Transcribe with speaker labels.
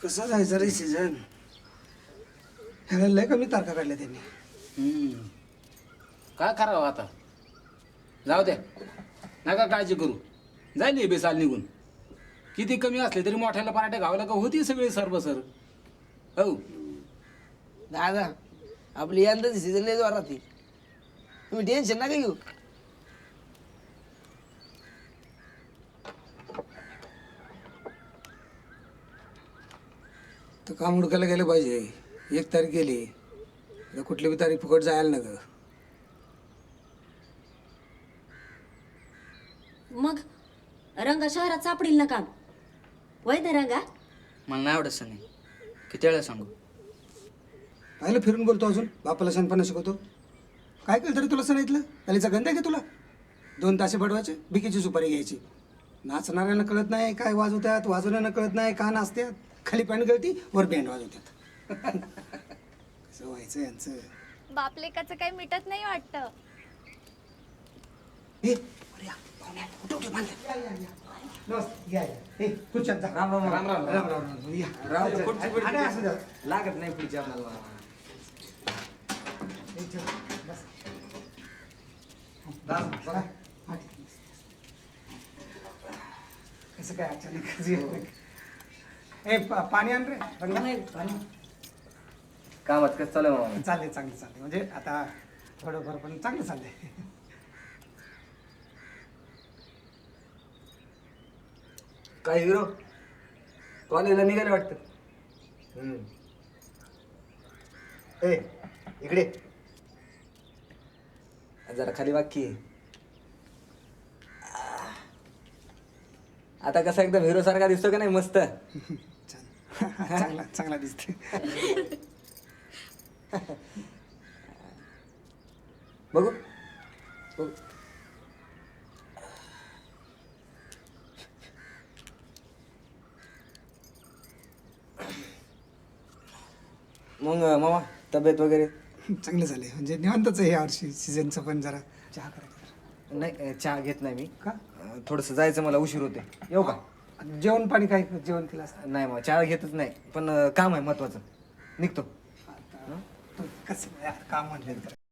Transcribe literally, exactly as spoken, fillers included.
Speaker 1: कसं जायचं रे सीझन ह्याला लय कमी तारखा काढल्या त्यांनी.
Speaker 2: हम्म. काय करावं आता जाऊ द्या नका काळजी करू जाईल हे बेसाल निघून किती कमी असले तरी मोठ्याला पराठे गावाला का होती सगळी सर्व सर हो
Speaker 3: दादा आपली यंदाची सीझन लय जोरात आहे. तुम्ही टेन्शन नका घेऊ.
Speaker 1: तर काम हुडकायला गेलं पाहिजे. एक तारीख गेली आता कुठली बी तारीख फुकट जायला ना ग.
Speaker 4: मग रंगा शहरात सापडील ना काम वय ना रंगा.
Speaker 5: मला नाही आवडत सनी किती वेळा सांगू.
Speaker 1: पाहिलं फिरून बोलतो अजून बापाला शहाणपणा शिकवतो. काय केलं तरी तुला सांगितलं त्याचा गंध आहे का तुला. दोन तासे बडवायचे बिकीची सुपारी घ्यायची. नाचणाऱ्यांना कळत नाही काय वाजवतात वाजवण्यानं कळत नाही का नाचतात. खाली पॅन्ट गळती वर बँड वाजवतात. कसं व्हायचं यांचं.
Speaker 6: बापलेकाचं काही मिटत नाही वाटतं.
Speaker 1: ए, अरे या, पाहुण्या, उठव की बांधलं. या, या, या. नमस्ते, या, या. ए, खुर्च्यात जा.
Speaker 5: राम राम
Speaker 2: राम राम
Speaker 1: राम, राम, राम. या.
Speaker 5: राम पुढची पुढची
Speaker 1: आणि असं द्या.
Speaker 5: लागत नाही पुढची आपल्याला.
Speaker 1: ए, चल, बस. बस, बस. हा, ठीक आहे. कसं काय अचानक येतं? ए पा- पाणी आण रे पाणी.
Speaker 5: कामात कसं चालू आहे मामा.
Speaker 1: चाललंय चांगलं चाललंय म्हणजे आता थोडंफार पण चांगलं चाललंय.
Speaker 5: काय हिरो कॉलेजला निघाले वाटतं. हम्म. ए इकडे जरा खाली वाक्य आता कसा एकदम हिरो सारखा दिसतो का नाही मस्त.
Speaker 1: छान चांगला चांगला दिसते.
Speaker 5: बघू बघू मग मामा तब्येत वगैरे.
Speaker 1: चांगलं झालंय म्हणजे निवांतच आहे यावर्षी सीझनचं पण जरा चहा करायचं.
Speaker 5: नाही चहा घेत नाही मी.
Speaker 1: का
Speaker 5: थोडंसं जायचं मला उशीर होते. येऊ का.
Speaker 1: जेवण पाणी काय जेवण केलं असतं.
Speaker 5: नाही मग चहा घेतच नाही पण अं, काम आहे महत्वाचं निघतो.
Speaker 1: तू कसं यार, काम म्हणलं तर